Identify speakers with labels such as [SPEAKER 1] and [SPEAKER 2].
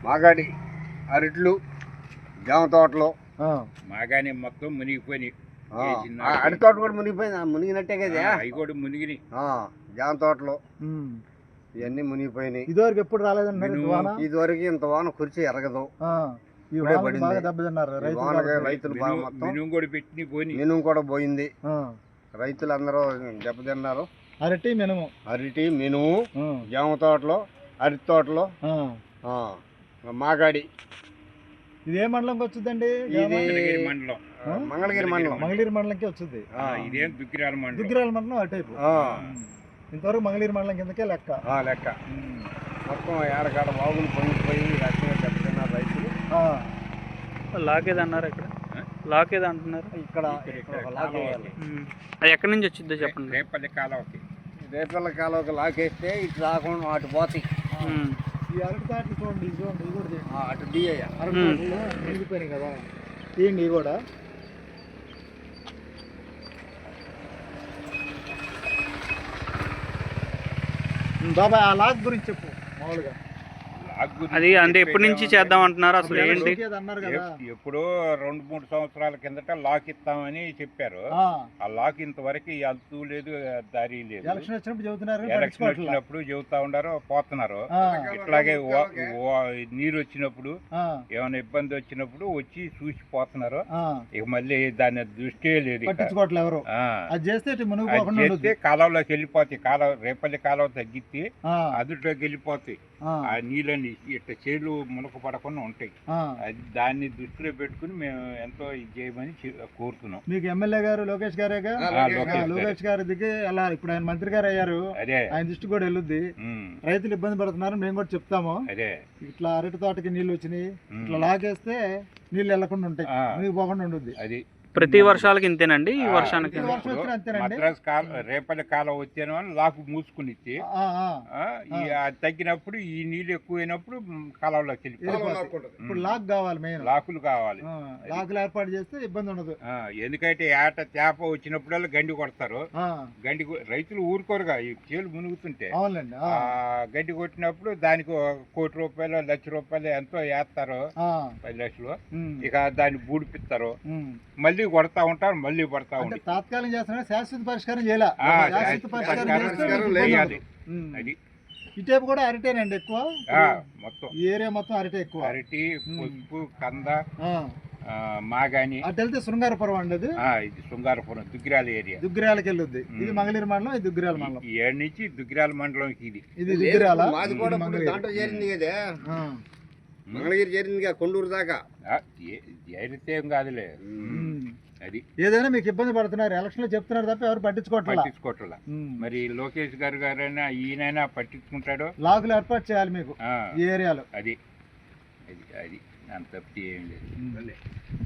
[SPEAKER 1] మాగాడి అరట్లు జామ తోటలు
[SPEAKER 2] మాగానే మొత్తం మునిగిపోయి
[SPEAKER 1] అరటి తోట కూడా మునిగిపోయింది. మునిగినట్టే కదా
[SPEAKER 2] అవి కూడా మునిగినాయి.
[SPEAKER 1] జామ తోటలు ఇవన్నీ మునిగిపోయినాయి.
[SPEAKER 3] ఇదివరకు ఎప్పుడు రాలేదన్నారు.
[SPEAKER 1] ఇదివరకు ఇంత వాన కురిచి ఎరగదు. రైతులు బాగా మొత్తం మినుము కూడా పోయింది. రైతులందరూ దెబ్బతిన్నారు.
[SPEAKER 3] అరటి
[SPEAKER 1] మినుము జామ తోటలు అరటి తోటలు మాగాడి.
[SPEAKER 3] ఇది ఏ మండలంకి వచ్చిందండి?
[SPEAKER 1] ఇది
[SPEAKER 2] మండలం
[SPEAKER 1] మంగళగిరి
[SPEAKER 3] మండలంకి వచ్చింది.
[SPEAKER 2] ఇదేం దుగ్గిరాల
[SPEAKER 3] మండలం అటైపు. ఇంతవరకు మంగళగిరి మండలం కిందకే లెక్క.
[SPEAKER 1] మొత్తం ఏడకాడ బాగులు పొంగిపోయి రకంగా దెబ్బతిన్నారు రైతులు.
[SPEAKER 4] లాకేదన్నారు ఇక్కడ లాకేది అంటున్నారు.
[SPEAKER 1] ఇక్కడ
[SPEAKER 4] అది ఎక్కడి నుంచి వచ్చిందో చెప్పండి.
[SPEAKER 2] రేపల్లి
[SPEAKER 1] కాలువకి లాకేస్తే ఇటు రాకుండా అటు పోతాయి.
[SPEAKER 3] ఈ అరటి తాట్లు చూడండి, ఇది కూడా
[SPEAKER 1] అటు దియ్య
[SPEAKER 3] అరటి తాట్లు మునిగిపోయినాయి కదా. తీయండి ఇవి కూడా. బాబాయ్ ఆ లాక్ గురించి చెప్పు మామూలుగా.
[SPEAKER 4] అది అంటే ఎప్పటి నుంచి చేద్దాం అంటున్నారు అసలు ఏంటి?
[SPEAKER 2] ఎప్పుడో 2-3 సంవత్సరాల కిందట లాక్ ఇస్తామని చెప్పారు. ఆ లాక్ ఇంతవరకు అంతు లేదు, దారి లేదు.
[SPEAKER 3] ఎలక్షన్
[SPEAKER 2] వచ్చినప్పుడు చెబుతా ఉండారు, పోతున్నారు. ఇట్లాగే నీరు వచ్చినప్పుడు ఏమైనా ఇబ్బంది వచ్చినప్పుడు వచ్చి చూసి పోతున్నారు. ఇక మళ్ళీ దాని దృష్టి లేదు.
[SPEAKER 3] ఎవరు అది
[SPEAKER 2] చేస్తే కాలువలోకి వెళ్ళిపోతాయి. రేపల్లి కాలువ తగ్గితే అదుట్లోకి వెళ్ళిపోతాయి. ఆ నీళ్ళని ఇట్లా చేలు మునక పడకుండా ఉంటాయి. అది దాన్ని దృష్టిలో పెట్టుకుని మేము ఎంతో ఇది చేయమని కోరుతున్నాం.
[SPEAKER 3] మీకు ఎమ్మెల్యే గారు లోకేష్ గారేగా, లోకేష్ గారి దిగి అలా ఇప్పుడు ఆయన మంత్రి గారు అయ్యారు. ఆయన దృష్టి కూడా వెళ్ళుద్ది. రైతులు ఇబ్బంది పడుతున్నారు, మేము కూడా చెప్తాము. ఇట్లా అరటి తోటకి నీళ్ళు వచ్చినాయి, ఇట్లా లాగేస్తే నీళ్ళు వెళ్లకుండా ఉంటాయి, మీకు పోకుండా ఉండద్ది.
[SPEAKER 2] అది
[SPEAKER 4] ప్రతి వర్షాలకి ఇంతేనండి. ఈ వర్షానికి
[SPEAKER 2] మద్రాసు రేపల్లి కాలం వచ్చాను అని లాకు మూసుకుని ఇచ్చి తగ్గినప్పుడు ఈ నీళ్ళు ఎక్కువైనప్పుడు కాలంలోకి వెళ్ళిపోతుంది.
[SPEAKER 3] ఇప్పుడు లాక్ కావాలి, మెయిన్
[SPEAKER 2] లాకులు కావాలి.
[SPEAKER 3] లాకులు ఏర్పాటు చేస్తే ఇబ్బంది ఉండదు.
[SPEAKER 2] ఎందుకంటే ఏట చేప వచ్చినప్పుడల్లా గండి కొడతారు. గండి రైతులు ఊరుకోరుగా ఈ చేలు మునుగుతుంటే. గండి కొట్టినప్పుడు దానికి ₹1,00,00,000 ₹1,00,000 ఎంతో వేస్తారు, 10 లక్షలు. ఇక దాన్ని బూడిపిస్తారు, మళ్ళీ కొడతా ఉంటారు, మళ్ళీ పడతా ఉంటారు.
[SPEAKER 3] తాత్కాలిక చేస్తున్నా, శాశ్వత పరిష్కారం చేయాలి.
[SPEAKER 2] అది
[SPEAKER 3] ఇటేపు కూడా అరటేనండి ఎక్కువ.
[SPEAKER 2] మొత్తం
[SPEAKER 3] ఏరియా మొత్తం అరటే ఎక్కువ.
[SPEAKER 2] అరటి, పసుపు, కంద, మాగాని.
[SPEAKER 3] అటు వెళ్తే శృంగారపురం అండి. అది
[SPEAKER 2] ఇది శృంగారపురం దుగ్గిరాల ఏరియా.
[SPEAKER 3] దుగ్గిరాలకి వెళ్ళొద్ది. ఇది మంగళగిరి మండలం, ఇది దుగ్గిరాల మండలం.
[SPEAKER 2] ఏడు నుంచి దుగ్గిరాల మండలం. ఇది
[SPEAKER 3] దుగ్గిరాల.
[SPEAKER 1] మాది కూడా దాంట్లో చేరింది కదా, మంగళగిరి చేరింది కదా, కొండూరు దాకా.
[SPEAKER 2] చేరితే ఏం కాదులే. అది
[SPEAKER 3] ఏదైనా మీకు ఇబ్బంది పడుతున్నారు, ఎలక్షన్ లో చెప్తున్నారు తప్ప ఎవరు
[SPEAKER 2] పట్టించుకోవట్లా. మరి లోకేష్ గారైనా ఈయనైనా పట్టించుకుంటాడు.
[SPEAKER 3] లాగులు ఏర్పాటు చేయాలి మీకు ఈ ఏరియాలో.
[SPEAKER 2] అది అది అది అంత తప్పితే ఏం లేదు.